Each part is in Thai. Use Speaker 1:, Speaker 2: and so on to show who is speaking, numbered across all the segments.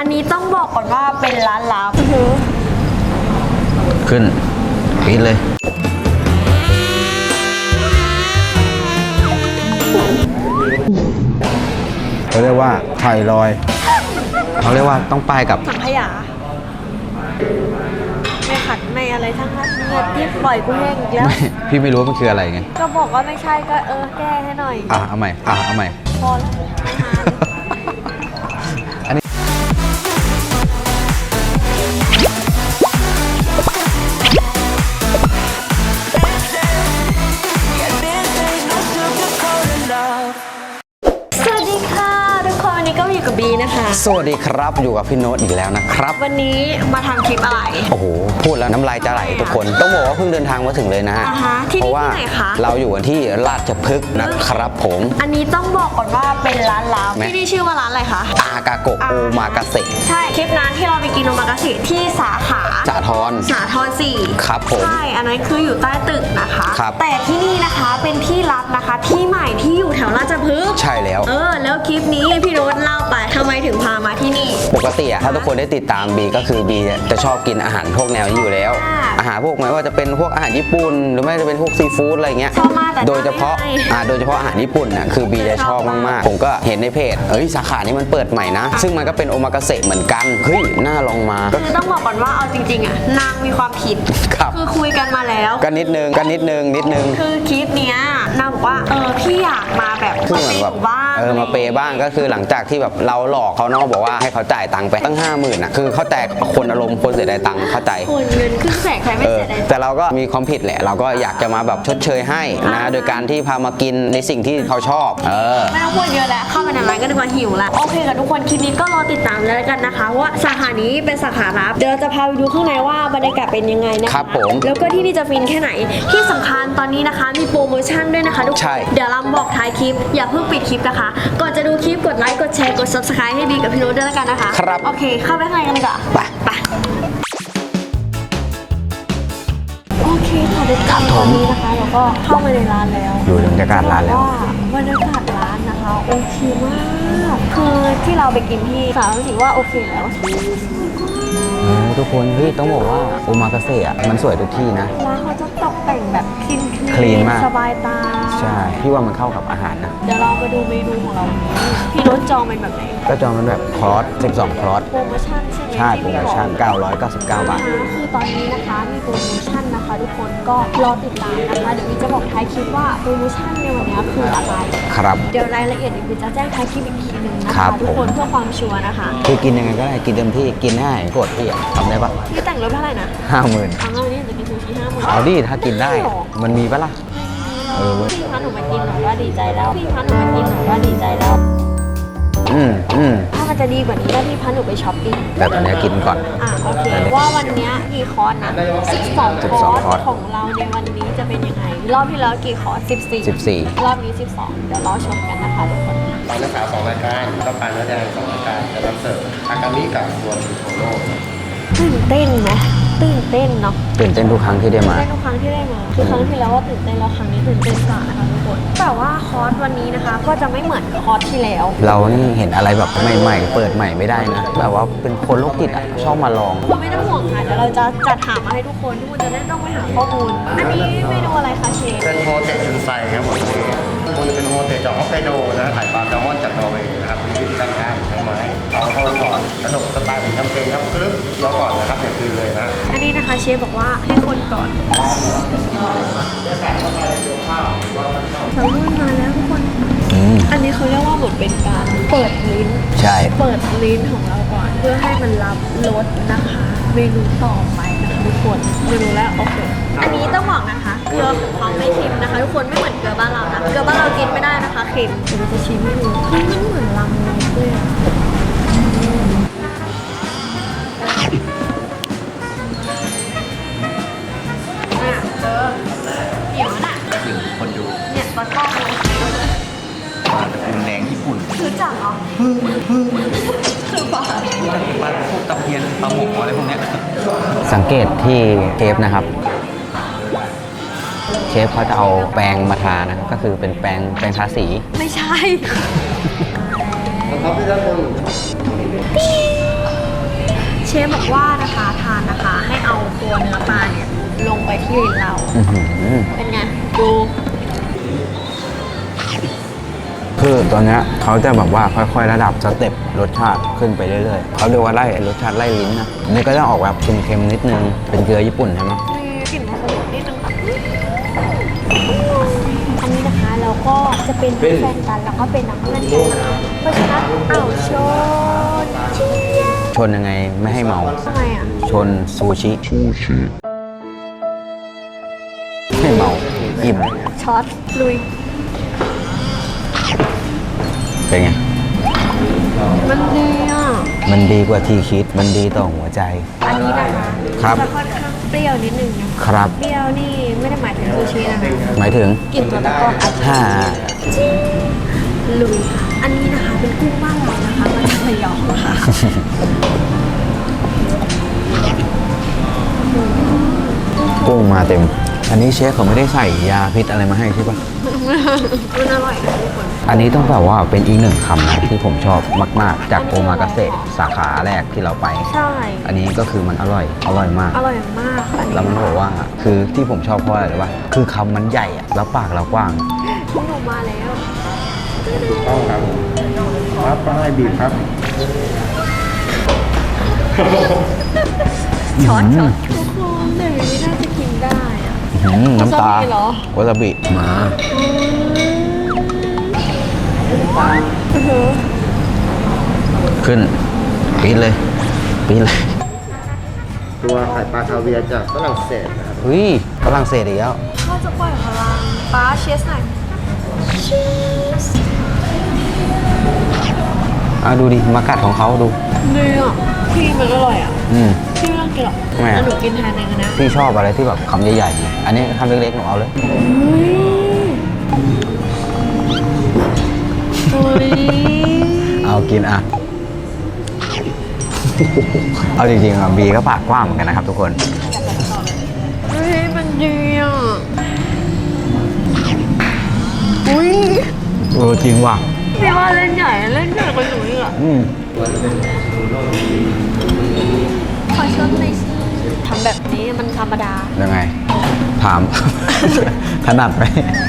Speaker 1: อันนี้ต้องบอกก่อนว่าเป็นร้านลับ
Speaker 2: ขึ้นปิดเลยเขาเรียกว่าไข่ลอยเขาเรียกว่าต้องป้ายกับ
Speaker 1: สังขยาไม่ขัดไม่อะไรทั้งนั้นเงินที่ปล่อยกูแห้งอีกแล้ว
Speaker 2: พี่ไม่รู้ว่ามันคืออะไรไง
Speaker 1: ก็บอกว่าไม่ใช่ก็แก้ให้หน่อย
Speaker 2: เอาใหม่เอาใหม่
Speaker 1: พอแล้ว
Speaker 2: อันนี้
Speaker 1: บีนะคะ
Speaker 2: สวัสดีครับอยู่กับพี่โน้ตอีกแล้วนะครับ
Speaker 1: วันนี้มาทำคลิปอะไร
Speaker 2: โอ้โหพูดแล้วน้ำลายจะไหลทุกคนต้องบอกว่าเพิ่งเดินทางมาถึงเลยนะฮะเพราะว่าเราอยู่กันที่ราชพฤกษ์นะครับผม
Speaker 1: อันนี้ต้องบอกก่อนว่าเป็นร้านลับที่นี่ชื่อว่าร้านอะไรคะ
Speaker 2: อากาโกะโอมากาเสะ
Speaker 1: ใช่คลิปนั้นที่เราไปกินโอมากาเสะที่สาขา
Speaker 2: สาทร
Speaker 1: 4
Speaker 2: ครับผม
Speaker 1: ใช่อันนั้นคืออยู่ใต้ตึกนะคะแต่ที่นี่นะคะเป็นที่ลับนะคะที่ใหม่ที่อยู่แถวราชพฤกษ์
Speaker 2: ใช่แล้ว
Speaker 1: แล้วคลิปนี้พี่โน้ตเล่าไปทำไมถึงพามาที่นี่
Speaker 2: ปกติถ้าทุกคนได้ติดตามบีก็คือบีจะชอบกินอาหารพวกแนวนี้อยู่แล้วอาหารพวกไม่ว่าจะเป็นพวกอาหารญี่ปุ่นหรือไม่จะเป็นพวกซีฟู้ดอะไรเงี้ยโดยเฉพาะอาหารญี่ปุ่นนะคือบีจะชอบมากๆผมก็เห็นในเพจสาขานี้มันเปิดใหม่นะซึ่งมันก็เป็นโอมากาเสะเหมือนกันเฮ้ยน่าลองมา
Speaker 1: คือต้องบอกก่อนว่าเอาจริงๆนางมีความผิดคือคุยกันมาแล้ว
Speaker 2: ก็นิดนึง
Speaker 1: คือคลิปเนี้ยนางบอกว่าพี่อยากมาแบบ
Speaker 2: คือเหมือนแบบมาเปย์บ้างก็คือหลังจากที่แบบเราหลอกเขาเนาะบอกว่าให้เขาจ่ายตังค์ไปตั้ง 50,000นะคือเขาแต่คนอารมณ์คนเสียดายตังค์เข้าใจ
Speaker 1: คนเงินขึ้นแสกใครไม่เสียดาย
Speaker 2: แต่เราก็มีความผิดแหละเราก็อยากจะมาแบบชดเชยให้นะโดยการที่พามากินในสิ่งที่เขาชอบ
Speaker 1: ไม่ต้องพูดเยอะแล้วเข้าไปในร้านก็ดูว่าหิวแล้วโอเคกับทุกคนคลิปนี้ก็รอติดตามแล้วกันนะคะว่าสาขานี้เป็นสาขาลับเดี๋ยวเราจะพาไปดูข้างในว่าบรรยากาศเป็นยังไงนะครับ
Speaker 2: ผม
Speaker 1: แล้วก็ที่นี่จะฟินแค่ไหนที่สำคัญตอนนี้นะคะมีโปรโมชั่นด้วยนะคะทุกคนเดี๋ยวเราบอกท้ายคลิปอย่าเพิ่งปิดคลิปนะคะก่อนจะดูคลิปกดไลค์กดแชร์กด Subscribe ให้บีกับพี่โน้ตด้วยแล้วกันนะคะ
Speaker 2: ครับ
Speaker 1: โอเคเข้าไปข้างในกันเลยก่อนไปโอเคค่ะทุกคนตอนนี้นะคะเราก็เข้ามาในร้านแล้ว
Speaker 2: ดูบรรยากาศร้านแล้ว
Speaker 1: บรรยากาศร้านนะคะโอเคมากคือที่เราไปกินที่สาวรู้สึกว่าโอเคแล้ว
Speaker 2: ทุกคนต้องบอกว่าโอมากาเสะมันสวยทุกที่นะ
Speaker 1: ร้านเขาจะตกแต่งแบบ
Speaker 2: คลีนมาก
Speaker 1: สบายตา
Speaker 2: ใช่พี่ว่ามันเข้ากับอาหารนะ
Speaker 1: เดี๋ยวเราไปดูเมนูของเราพี่โน้ตจองเป็นแบบไหน
Speaker 2: ก็จองเป็นแบบคอร์ส12คอร์ส
Speaker 1: โปรโมชั่นใช่ไหม
Speaker 2: ใช่โปรโมชั่น999 บาท
Speaker 1: คือตอนนี้นะคะมีโปรโมชั่นนะคะทุกคนก็รอติดตามนะคะเดี๋ยวพี่จะบอกท้ายคลิปว่าโปรโมชั่นในวันนี้คืออะไร
Speaker 2: ครับ
Speaker 1: เดี๋ยวรายละเอียดพี่จะแจ้งท้ายคลิปอีกทีนึงนะคะทุกคนเพื่อความชัวร์นะคะ
Speaker 2: คือกินยังไงก็ได้กินเต็มที่กินได้กดพี่ทำได้ปะ
Speaker 1: พี่แต่งรถเท่าไหร่นะ
Speaker 2: 50,000
Speaker 1: เอาวันนี้จะกินซูชิ50,000
Speaker 2: เอาดิถ้ากินได้มันมีปะล่ะ
Speaker 1: พี่พาหนูมากินหนูก็ดีใจแล้วพี่พาหนูมากินหนูก็ดีใจแล้วถ้ามันจะดีกว่านี้ก็พี่พาหนูไปช้อปปิ้ง
Speaker 2: แต่ตอนนี้กินก่อน
Speaker 1: โอเคว่าวันนี้กี่คอร์สนะ12 คอร์สของเราในวันนี้จะเป็นยังไงรอบที่แล้วกี่คอร์ส14รอบนี้12เดี๋ยวรอชมกันนะคะทุกคน
Speaker 3: เราเลือกขา2รายการต้องการเนื้อแดง2รายการจะนำเสิร์ฟอากามิกับตัวชูโทโร่
Speaker 1: ตื่นเต้นไหมตื่นเต้นเนาะ
Speaker 2: ตื่นเต้นทุกครั้งที่ได้มา
Speaker 1: ทุกครั้งที่ได้มาคือครั้งที่แล้วว่าตื่นเต้นแล้วครั้งนี้ตื่นเต้นกว่านะคะทุกคนแต่ว่าคอร์สวันนี้นะคะก็จะไม่เหมือนคอร์สที่แล้ว
Speaker 2: เรานี่เห็นอะไรแบบใหม่ๆเปิดใหม่ไม่ได้นะแบบว่าเป็นคนโรคจิตชอบมาลอง
Speaker 1: คุณไม่ต้องห่วงค่ะเดี๋ยวเราจะจัดหามาให้ทุกคนจะได้ต้องไปหาข้อมูลอันนี้เมนูอะไรคะเชฟ
Speaker 3: เป็นโฮเทลชุนไซครับผมคุณเป็นโฮเทลจากฮอกไกโดนะถ่ายปลาแซลมอนจากนอร์เวย์นะครับมีวิธีการง่ายใช้ไม้เอาเข้าก่อนขนมสไตล์ผมทำเองครับกรึ๊บเคี้ยวก่อนนะครับอย่าคืนเลยนะ
Speaker 1: อันนี้นะคะเชฟบอกว่าให้คนก่อนแซลมอนมาแล้วทุกคนอันนี้เขาเรียกว่าเหมือนเป็นการเปิดลิ้น
Speaker 2: ใช่
Speaker 1: เปิดลิ้นของเราก่อนเพื่อให้มันรับรสนะคะเมนูต่อไปนะคะทุกคนเมนูแรกโอเคอันนี้ต้องบอกนะคะเกลือของเขาไม่เค็มนะคะทุกคนไม่เหมือนเกลือบ้านเรานะเกลือบ้านเรากินไม่ได้นะคะเค็มเดี๋ยวจะชิมให้ดูมันเหมือนลำเลยเดี๋ยวน่ะ
Speaker 2: ถึงคนดู
Speaker 1: เนี่ยตอนกล้องเลย
Speaker 2: รุนแรงญี่ปุ่น
Speaker 1: คือจังเหรอคือปลา
Speaker 2: พวกตะเพียนปลาหมกอะไรพวกนี้สังเกตที่เชฟนะครับเชฟเขาจะเอาแปรงมาทานะก็คือเป็นแปรงทาสี
Speaker 1: ไม่ใช่
Speaker 3: ครับพี่ท่านคน
Speaker 1: เชฟบอกว่านะคะทานนะคะให้เอาตัวเนื้อปลาเนี่ยลงไปที่ลิ้นเรา
Speaker 2: อื้อหือ
Speaker 1: เป็นไงดู
Speaker 2: คือตัวเนี้ยเขาจะแบบว่าค่อยๆระดับสเต็ปรสชาติขึ้นไปเรื่อยๆเขาเรียกว่าไล่รสชาติไล่ลิ้นนะอันนี่ก็จะออกแบบเค็มๆนิดนึงเป็นเกลือญี่ปุ่นใช่ไหม
Speaker 1: มีกลิ่นผสมนิดนึงอันนี้นะคะเราก็จะเป็นแฟนกันแล้วก็เป็นนักเพื่อนกันนะคะเพราะฉะนั้นเอาชนเชียร์
Speaker 2: ชนยังไงไม่ให้เมา
Speaker 1: ทำไมอ่ะ
Speaker 2: ชนซูชิไม่เมาอิ่ม
Speaker 1: ช็อตลุย
Speaker 2: เป็นไง
Speaker 1: มันดีอ่ะ
Speaker 2: มันดีกว่าที่คิดมันดีต่อหัวใจ
Speaker 1: อันนี้นะคะ
Speaker 2: ครับ
Speaker 1: จะค่อนข้างเปรี้ยวนิดนึงนะครับ เปรี้ยวนี่ไม่ได้หมายถึงซูชินะคะ
Speaker 2: หมายถึง
Speaker 1: กลิ่นตัวตะกอนอาจจะ
Speaker 2: ถ้า
Speaker 1: ลุยค่ะอันนี้นะคะเป็นกุ้งบ้านเรานะคะมาจากระยองค่ะ
Speaker 2: กุ้งมาเต็ม อันนี้เชฟเขาไม่ได้ใส่ยาพิษอะไรมาให้ใช่ปะ
Speaker 1: มันอร่อยนะทุกคน
Speaker 2: อันนี้ต้องแบบว่าเป็นอีกหนึ่งคำนะที่ผมชอบมากๆ จากโอมากาเสะสาขาแรกที่เราไป
Speaker 1: ใช่
Speaker 2: อันนี้ก็คือมันอร่อยมาก
Speaker 1: อร่อยมากอันนี้
Speaker 2: แล้วมันบอกว่าคือที่ผมชอบเพราะอะไรรู้ป่ะคือคำมันใหญ่อะแล้วปากเรากว้าง
Speaker 1: กุ้งออกมาแล้ว
Speaker 3: ถูกต้องครับครับก็ให้บีบครับ
Speaker 1: ช็อตทุกคนแต่ไม่น่าจะกินได้อะ
Speaker 2: น้ำตาว
Speaker 1: าซาบิเหรอ
Speaker 2: วาซาบิมา ขึ้นปีดเลย
Speaker 3: ตัวไข่ปลาคาเวียร์จากฝรั่งเศสนะครับ
Speaker 2: เฮ้ยฝรั่งเศสอีกแล้ว
Speaker 1: พ่อจะปล่อยพลังป้าเชสหน่อยเชส
Speaker 2: ดูดิมากัดของเขาดู
Speaker 1: เนื้อพี่มันอร่อยอ่ะ
Speaker 2: อืม
Speaker 1: พี่ไม่ต้องกินหรอก
Speaker 2: ทำไมอะ
Speaker 1: แล้วหนูกินแทนเองนะ
Speaker 2: พี่ชอบอะไรที่แบบคำใหญ่ๆไงอันนี้คำเล็กๆหนูเอาเลย
Speaker 1: เฮ้ย
Speaker 2: เอากินอ่ะ เอาจริงๆอ่ะบีก็ปากกว้างเหมือนกันนะครับทุกคน
Speaker 1: เฮ้ยมันดีอ่ะอุ้ย
Speaker 2: จริงว่ะ
Speaker 1: พี่ว่าเล่นใหญ่กว่าหนูอีกอ่ะ
Speaker 2: อืม
Speaker 1: ขอชดหน่อยสิทำแบบนี้มันธรรมดา
Speaker 2: ยังไง ถาม ถนัดไหม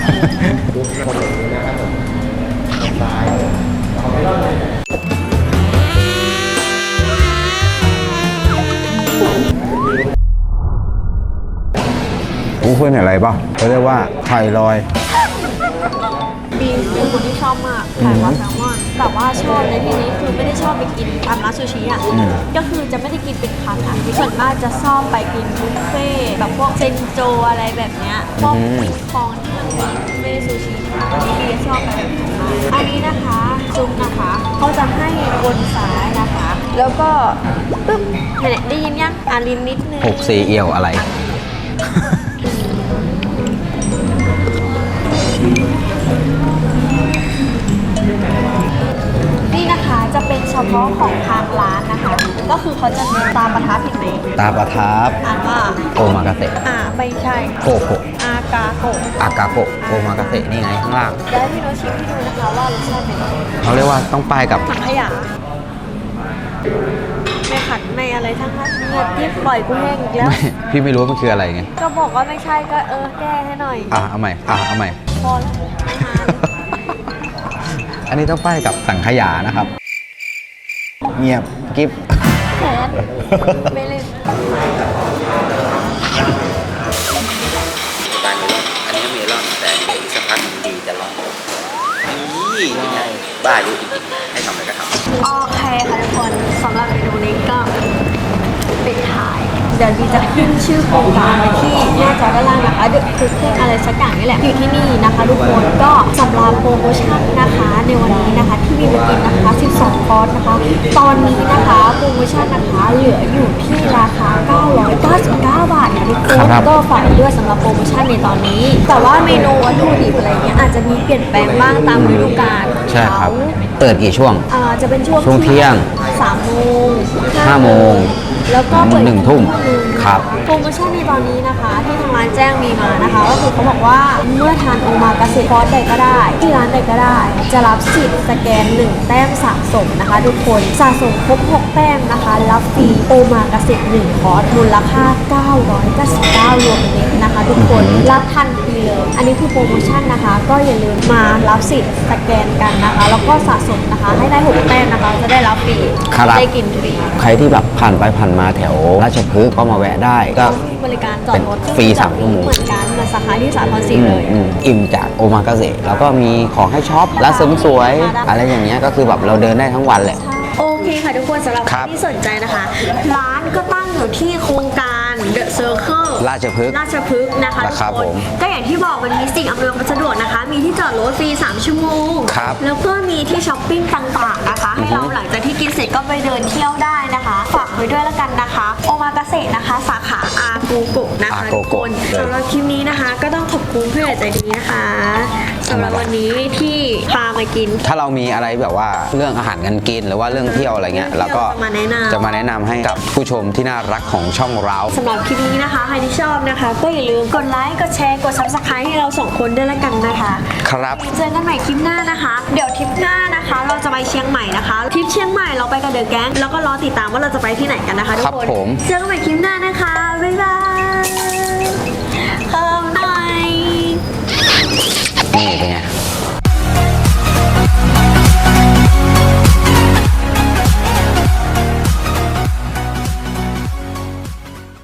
Speaker 2: เพื่อนเห็นอะไรป่ะเขาเรียกว่าไข่ลอย
Speaker 1: บีเป็นคนที่ชอบมากไข่ปลาแซลมอนแต่ว่าชอบในที่นี้คือไม่ได้ชอบไปกินตามร้านซูชิอ่ะ
Speaker 2: อืม
Speaker 1: ก็คือจะไม่ได้กินเป็นคำอ่ะส่วนมากจะชอบไปกินบุฟเฟ่ต์แบบพวกเซนโจอะไรแบบเนี้ยพวกคองที่มันมีบุฟเฟ่ต์ซูชิค่ะอันนี้บีชอบไปแบบนั้นมากอันนี้นะคะซุปนะคะเขาจะให้บนซ้ายนะคะ แล้วก็ปึ๊บเนี่ยได้ยินยังลิ้นนิดนึง
Speaker 2: 6 4 เอี่ยวอะไร
Speaker 1: นี่นะคะจะเป็นเฉพาะของทางร้านนะคะ ก็คือเขาจะมีตามประทับเห็นไหม
Speaker 2: ตาประทับ
Speaker 1: อ่านว่า
Speaker 2: โอมากาเสะ
Speaker 1: ไม่ใช่
Speaker 2: โกโกะ
Speaker 1: อากาโกะ
Speaker 2: อากาโกะโอมากาเสะนี่ไงข้างล่าง
Speaker 1: แล้วพี่โนชิมให้ดูนะคะว่ารสชาติเป็นยังไง
Speaker 2: เขาเรียกว่าต้องป้ายกับ
Speaker 1: ถังขยะไม่ขัดไม่อะไรทั้งนั้นเงียบที่ปล่อยกูแห้งอีกแล้ว
Speaker 2: พี่ไม่รู้ว่ามันคืออะไรไง
Speaker 1: ก็บอกว่าไม่ใช่ก็แก้ให้หน่อย
Speaker 2: เอาใหม่เอาใหม่
Speaker 1: พอแล้วนาน
Speaker 2: อันนี้ต้องป้ายกับสังขยานะครับ เงียบกิ๊บ
Speaker 1: แขนไม่เล่น
Speaker 2: บานนี้อันนี้เมลอนแต่อีกสักพักดีจะร้อนนี่ไงบ้าอยู่จริงๆให้ทำอะไรก็ทำ
Speaker 1: โอเคค่ะทุกคนสำหรับเมนูนี้ก็ปิดท้าย เดี๋ยวดีจะขึ้นชื่อโครงการไว้ที่หน้าจอด้านล่างนะคะเดี๋ยวคือเครื่องอะไรสักอย่างนี่แหละอยู่ที่นี่นะคะทุกคนก็สำหรับโปรโมชั่นนะคะในวันนี้นะคะที่มีมากินนะคะ 12 คอร์สนะคะ ตอนนี้นะคะโปรโมชั่นนะคะเหลืออยู่ที่ราคา 999 บาทนะทุกคน
Speaker 2: ครับ
Speaker 1: ก็ฝากด้วยสำหรับโปรโมชั่นในตอนนี้ แต่ว่าเมนูวัตถุดิบอะไรเงี้ยอาจจะมีเปลี่ยนแปลงบ้างตามฤดูกาลของ
Speaker 2: ใช่ครับ
Speaker 1: เขา
Speaker 2: เปิดกี่ช่วง
Speaker 1: จะเป็นช่วง
Speaker 2: เที่ยง
Speaker 1: 3 โมง
Speaker 2: 5 โมง
Speaker 1: แล้วก็เปิด
Speaker 2: 1 ทุ่มครับ
Speaker 1: โปรโมชั่นในตอนนี้นะคะที่ทางร้านแจ้งมีมานะคะก็คือเขาบอกว่าเมื่อทานโอมากาเสะคอร์สใดก็ได้ที่ร้านใดก็ได้ จะรับสิทธิ์สแกน 1 แต้มสะสมนะคะทุกคนสะสมครบ 6 แต้มนะคะรับฟรีโอมากาเสะ1 คอร์สมูลค่า 999 รวมเน็ตนะคะทุกคนรับทันทีเลยอันนี้คือโปรโมชั่นนะคะ ก็อย่าลืมมารับสิทธิ์สแกนกันนะคะ แล้วก็สะสมนะคะให้ได้ 6 แต้มนะคะจะได้รับฟรี
Speaker 2: ครับ
Speaker 1: ได้กินฟรี
Speaker 2: ใครที่แบบผ่านไปผ่านมาแถวราชพฤกษ์ก็มาแวะได้ก็
Speaker 1: บริการจอดรถ
Speaker 2: ฟรี3 ชั่วโมง
Speaker 1: เหมือนกันเหมือนสาขาที่สาทรศรีเลย
Speaker 2: อิ่มจากโอมากาเสะแล้วก็มีของให้ช็อปร้านเสริมสวย อะไรอย่างเงี้ยก็คือแบบเราเดินได้ทั้งวันแหละ
Speaker 1: โอเคค่ะทุกคนสำหรับ
Speaker 2: ค
Speaker 1: ใค
Speaker 2: รั
Speaker 1: ร
Speaker 2: บ
Speaker 1: ที่สนใจนะคะ ร้านก็ตั้งอยู่ที่โครงการ The Circle
Speaker 2: ราชพฤกษ์
Speaker 1: ราชพฤกษ์นะคะ
Speaker 2: ครับ
Speaker 1: ทุกคน
Speaker 2: ผม
Speaker 1: ก็อย่างที่บอกมันมีสิ่งอำนวยความสะดวกนะคะ มีที่จอดรถฟรี 3 ชั่วโมง
Speaker 2: ครับ
Speaker 1: แล้วก็มีที่ช้อปปิ้งต่างๆนะคะ ให้เราหลังจากที่กินเสร็จก็ไปเดินเที่ยวได้นะคะฝากไว้ด้วยแล้วกันนะคะ โอมากาเสะนะคะ สาขาอาโกโกะนะคะ
Speaker 2: อาโก
Speaker 1: ทุก
Speaker 2: โกะ
Speaker 1: คนสำหรับคลิปนี้นะคะ ก็ต้องขอบคุณเพื่อนใจดีนะคะสำหรับวันนี้ที่พามากิน
Speaker 2: ถ้าเรามีอะไรแบบว่าเรื่องอาหารการกินหรือว่าเรื่องเที่ยวอะไรเงี้ยเราก็
Speaker 1: จะมาแนะนำ
Speaker 2: จะมาแนะนำให้กับผู้ชมที่น่ารักของช่องเรา
Speaker 1: สำหรับคลิปนี้นะคะ ใครที่ชอบนะคะ ก็อย่าลืมกดไลค์ กดแชร์ กด subscribe ให้เราสองคนด้วยละกันนะคะ
Speaker 2: ครับ
Speaker 1: เจอกันใหม่คลิปหน้านะคะ เดี๋ยวทริปหน้านะคะ เราจะไปเชียงใหม่นะคะทริปเชียงใหม่เราไปกับเดอะแก๊งแล้วก็รอติดตามว่าเราจะไปที่ไหนกันนะคะทุก
Speaker 2: ครับ
Speaker 1: คน
Speaker 2: ผม
Speaker 1: เจอกันใหม่คลิปหน้านะคะ